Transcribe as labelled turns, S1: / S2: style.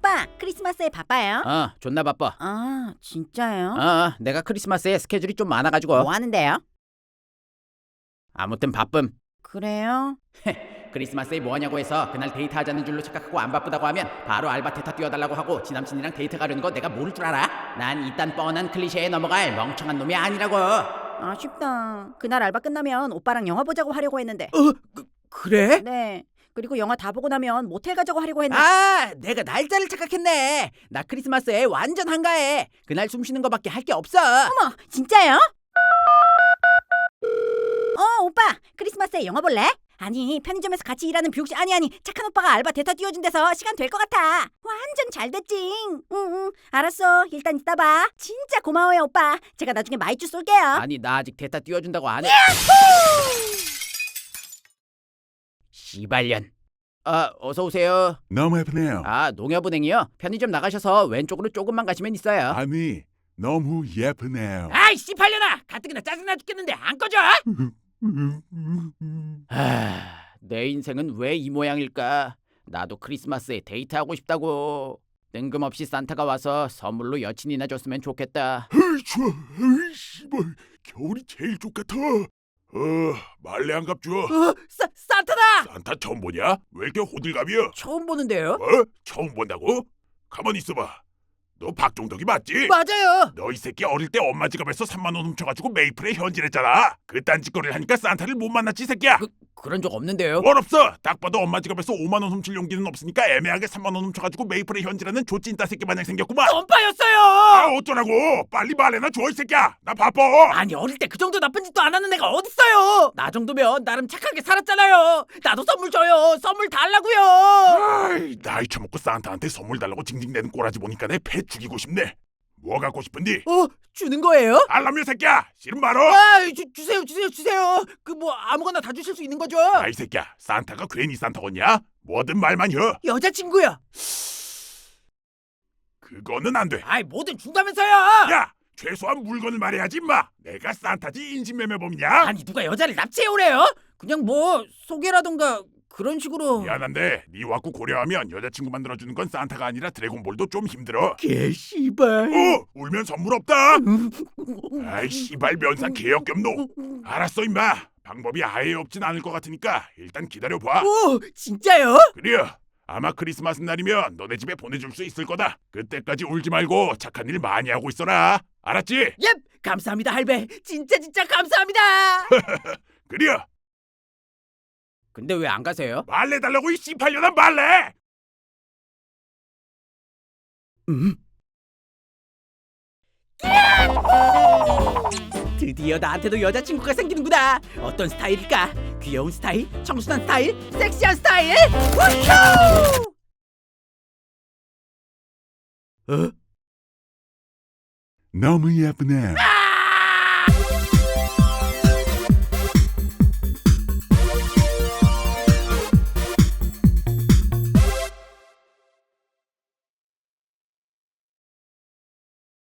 S1: 오빠, 크리스마스에 바빠요?
S2: 존나 바빠.
S1: 아, 진짜요?
S2: 내가 크리스마스에 스케줄이 좀 많아가지고.
S1: 뭐 하는데요?
S2: 아무튼 바쁨.
S1: 그래요?
S2: 크리스마스에 뭐하냐고 해서 그날 데이트하자는 줄로 착각하고 안 바쁘다고 하면 바로 알바 대타 뛰어달라고 하고 지남친이랑 데이트 가려는 거 내가 모를 줄 알아? 난 이딴 뻔한 클리셰에 넘어갈 멍청한 놈이 아니라고.
S1: 아쉽다. 그날 알바 끝나면 오빠랑 영화 보자고 하려고 했는데.
S2: 그래?
S1: 네. 그리고 영화 다 보고 나면 모텔 가자고 하려고 했는데.
S2: 내가 날짜를 착각했네. 나 크리스마스에 완전 한가해. 그날 숨 쉬는 거밖에 할 게 없어.
S1: 어머, 진짜요? 오빠, 크리스마스에 영화 볼래? 아니, 편의점에서 같이 일하는 뷰씨 아니 착한 오빠가 알바 대타 띄워준 데서 시간 될 것 같아. 완전 잘 됐지. 응, 알았어. 일단 이따 봐. 진짜 고마워요, 오빠. 제가 나중에 마이쮸 쏠게요.
S2: 아니 나 아직 대타 띄워준다고 안 해. 씨발년. 어서 오세요.
S3: 너무 예쁘네요.
S2: 농협은행이요? 편의점 나가셔서 왼쪽으로 조금만 가시면 있어요.
S3: 아니, 너무 예쁘네요.
S2: 아이 씨발년아! 가뜩이나 짜증나 죽겠는데 안 꺼져? 내 인생은 왜 이 모양일까? 나도 크리스마스에 데이트하고 싶다고. 뜬금없이 산타가 와서 선물로 여친이나 줬으면 좋겠다.
S3: 헤이 좋아, 헤이 씨발, 겨울이 제일 좋겠다. 말레 안 갚죠?
S2: 산타다!
S3: 산타 처음 보냐? 왜 이렇게 호들갑이야?
S2: 처음 보는데요?
S3: 처음 본다고? 가만히 있어봐. 너 박종덕이 맞지?
S2: 맞아요.
S3: 너 이 새끼 어릴 때 엄마 지갑에서 3만 원 훔쳐가지고 메이플에 현질했잖아. 그딴 짓거리를 하니까 산타를 못 만났지, 이 새끼야.
S2: 그런 적 없는데요.
S3: 뭘 없어? 딱 봐도 엄마 지갑에서 5만 원 훔칠 용기는 없으니까 애매하게 3만 원 훔쳐가지고 메이플에 현질하는 조찐따 새끼 마냥 생겼구만.
S2: 뻔빠였어요.
S3: 어쩌라고? 빨리 말해나 줘, 이 새끼야. 나 바빠.
S2: 아니 어릴 때 그 정도 나쁜 짓도 안 하는 애가 어딨어요. 나 정도면 나름 착하게 살았잖아요. 나도 선물 줘요. 선물 달라고요.
S3: 아이, 나이 처먹고 산타한테 선물 달라고 징징대는 꼬라지 보니까 내 배 죽이고 싶네. 뭐 갖고 싶은디?
S2: 주는 거예요?
S3: 알람이야 새끼야. 싫은 말어.
S2: 주세요. 그 뭐 아무거나 다 주실 수 있는 거죠?
S3: 이 새끼야. 산타가 괜히 산타겠냐? 뭐든 말만 해.
S2: 여자친구야.
S3: 그거는 안 돼.
S2: 뭐든 준다면서요.
S3: 야, 최소한 물건을 말해야지 임마. 내가 산타지 인신매매범이냐?
S2: 아니 누가 여자를 납치해 오래요? 그냥 뭐 소개라던가 그런 식으로.
S3: 미안한데 네 와꾸 고려하면 여자친구 만들어주는 건 산타가 아니라 드래곤볼도 좀 힘들어.
S2: 개씨발.
S3: 울면 선물 없다. 아이 씨발 면상 개역겹노. 알았어 임마. 방법이 아예 없진 않을 것 같으니까 일단 기다려봐.
S2: 진짜요?
S3: 그래. 아마 크리스마스 날이면 너네 집에 보내줄 수 있을 거다. 그때까지 울지 말고 착한 일 많이 하고 있어라. 알았지?
S2: 예, 감사합니다 할배. 진짜 감사합니다.
S3: 그래.
S2: 근데 왜 안 가세요?
S3: 말래 달라고 이 씨팔년아 말래.
S2: 드디어 나한테도 여자친구가 생기는구나. 어떤 스타일일까? 귀여운 스타일? 청순한 스타일? 섹시한 스타일? 우효!
S3: 너무 예쁘네.